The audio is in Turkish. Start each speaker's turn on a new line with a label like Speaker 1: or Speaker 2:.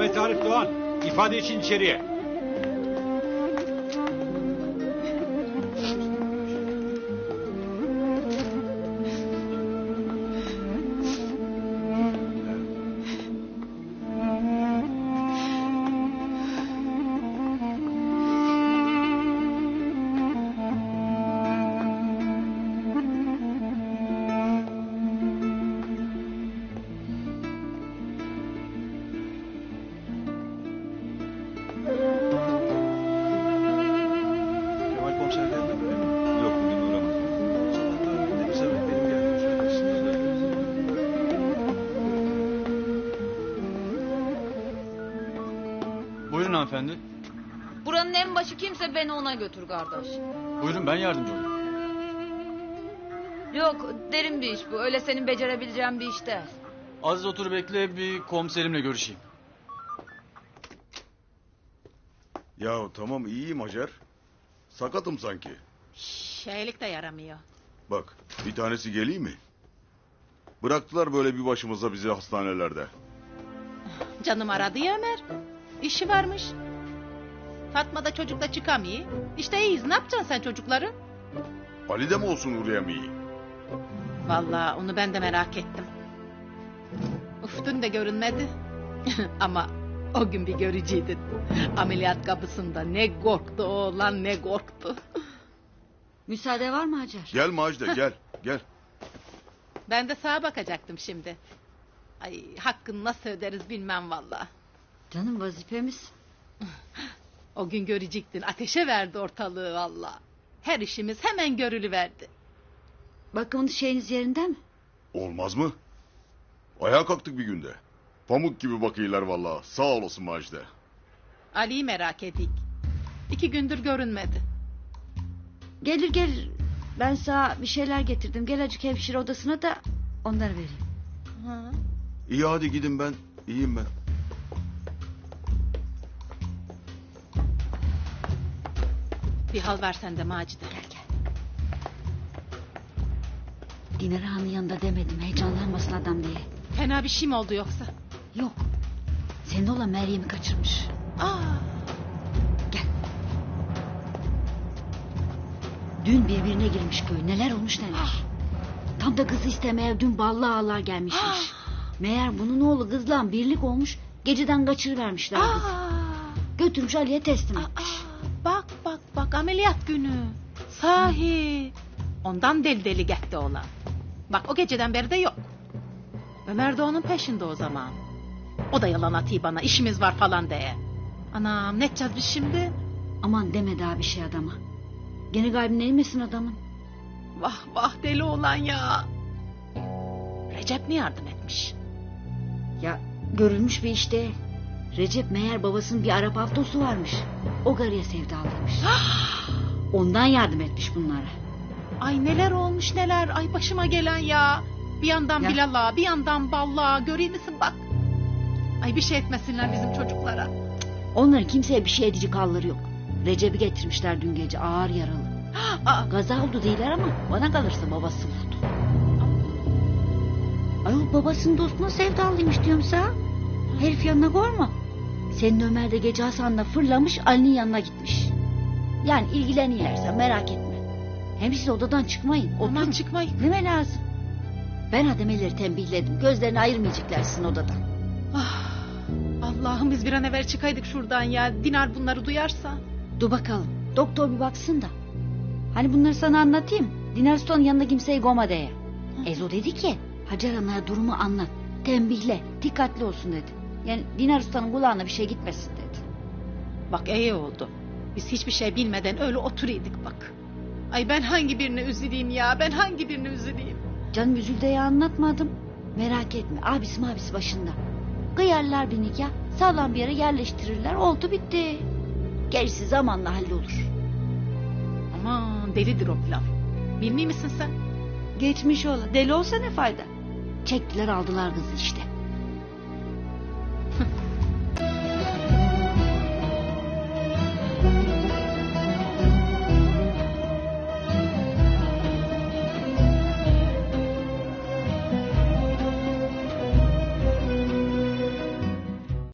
Speaker 1: Ahmet Arif Doğan, ifade için içeriye.
Speaker 2: Kemal komiser geldi mi, öyle mi?
Speaker 1: Yok, bugün uğramadım.
Speaker 2: Sabahtan beri de bize bak, benim geldiğimi söylersiniz de.
Speaker 3: Buyurun hanımefendi.
Speaker 4: Buranın en başı kimse beni ona götür kardeş.
Speaker 3: Buyurun ben yardımcı olayım.
Speaker 4: Yok derin bir iş bu. Öyle senin becerebileceğin bir iş değil.
Speaker 3: Aziz otur bekle, bir komiserimle görüşeyim.
Speaker 5: Ya tamam iyiyim Hacer. Sakatım sanki.
Speaker 6: Şeylik de yaramıyor.
Speaker 5: Bak bir tanesi geleyim mi? Bıraktılar böyle bir başımıza bizi hastanelerde.
Speaker 6: Canım aradı ya Ömer. İşi varmış. Fatma da çocuk da çıkamıyor. İşte iyiyiz. Ne yapacaksın sen çocukları?
Speaker 5: Ali de mi olsun uğrayamayı?
Speaker 6: Vallahi onu ben de merak ettim. Uf dün de görünmedi. Ama o gün bir görücüydün. Ameliyat kapısında ne korktu oğlan ne korktu.
Speaker 4: Müsaade var mı Hacer?
Speaker 5: Gel Macide gel gel.
Speaker 6: Ben de sağa bakacaktım şimdi. Ay hakkını nasıl öderiz bilmem vallahi.
Speaker 4: Canım vazifemiz.
Speaker 6: O gün görecektin. Ateşe verdi ortalığı vallahi. Her işimiz hemen görülüverdi.
Speaker 4: Bakımınız şeyiniz yerinde mi?
Speaker 5: Olmaz mı? Ayağa kalktık bir günde. Pamuk gibi bakıyorlar vallahi. Sağ olasın Macide.
Speaker 6: Ali'yi merak edik. 2 gündür görünmedi.
Speaker 7: Gelir. Ben sana bir şeyler getirdim. Gel acık hemşire odasına da onları vereyim.
Speaker 6: Ha.
Speaker 5: İyi hadi gidin ben. İyiyim ben.
Speaker 6: Bir hal versen de Macide.
Speaker 7: Gel. Dinar Han'ın yanında demedim. Heyecanlanmasın adam diye.
Speaker 6: Fena bir şey mi oldu yoksa?
Speaker 7: Yok. Senin oğlan Meryem'i kaçırmış.
Speaker 6: Aa,
Speaker 7: Gel. Dün birbirine girmiş köy. Neler olmuş neler. Tam da kızı istemeye dün ballı ağalar gelmişmiş. Meğer bunun oğlu kızla birlik olmuş. Geceden kaçırıvermişler kızı. Götürmüş Ali'ye teslim etmiş.
Speaker 6: bak ameliyat günü. Sahi. Ondan deli deli gitti oğlan. Bak o geceden beri de yok. Ömer de onun peşinde o zaman. O da yalan atıyor bana işimiz var falan diye. Anam ne edeceğiz biz şimdi?
Speaker 7: Aman deme daha bir şey adama. Gene kalbine inmesin adamın.
Speaker 6: Vah deli oğlan ya. Recep mi yardım etmiş?
Speaker 7: Ya görülmüş bir iş değil. Recep meğer babasının bir Arap avtosu varmış. O garıya sevdalıymış. Ondan yardım etmiş bunlara.
Speaker 6: Ay neler olmuş neler. Ay başıma gelen ya. Bir yandan
Speaker 7: Ya.
Speaker 6: Bilal'a bir yandan Ball'a. Göreyim misin bak. Ay bir şey etmesinler bizim çocuklara.
Speaker 7: Onların kimseye bir şey edici halleri yok. Recep'i getirmişler dün gece ağır yaralı.
Speaker 6: Aa,
Speaker 7: Gaza oldu değiller ama bana kalırsa babası vurdu. Ayol babasının dostuna sevdalıymış diyorum sana. Herif yanına koyma. Senin Ömer de gece Hasan'la fırlamış Ali'nin yanına gitmiş. Yani ilgileniyorlarsa merak etme. Hem siz odadan çıkmayın.
Speaker 6: aman
Speaker 7: Oturun.
Speaker 6: çıkmayın.
Speaker 7: Neme lazım? Ben ademeleri tembihledim. Gözlerini ayırmayacaklar sizin odadan.
Speaker 6: Ah, Allah'ım biz bir an evvel çıkaydık şuradan ya. Dinar bunları duyarsa.
Speaker 7: Dur bakalım. Doktor bir baksın da. Hani bunları sana anlatayım. Dinar Sultan'ın yanında kimseyi goma diye. Ezo dedi ki Hacer Ana'ya durumu anlat. Tembihle. Dikkatli olsun dedi. Yani Dinar Sultan'ın kulağına bir şey gitmesin dedi.
Speaker 6: Bak iyi oldu. Biz hiçbir şey bilmeden öyle oturuyorduk bak. Ay ben hangi birini üzüleyim ya? Ben hangi birini üzüleyim?
Speaker 7: Canım üzüldüğü anlatmadım. Merak etme. Abisi başında. Kıyarlar bir nikah. Sağlam bir yere yerleştirirler. Oldu bitti. Gerisi zamanla hallolur.
Speaker 6: Aman delidir o pilav. Bilmiyor misin sen?
Speaker 7: Geçmiş ola. Deli olsa ne fayda? Çektiler aldılar kızı işte.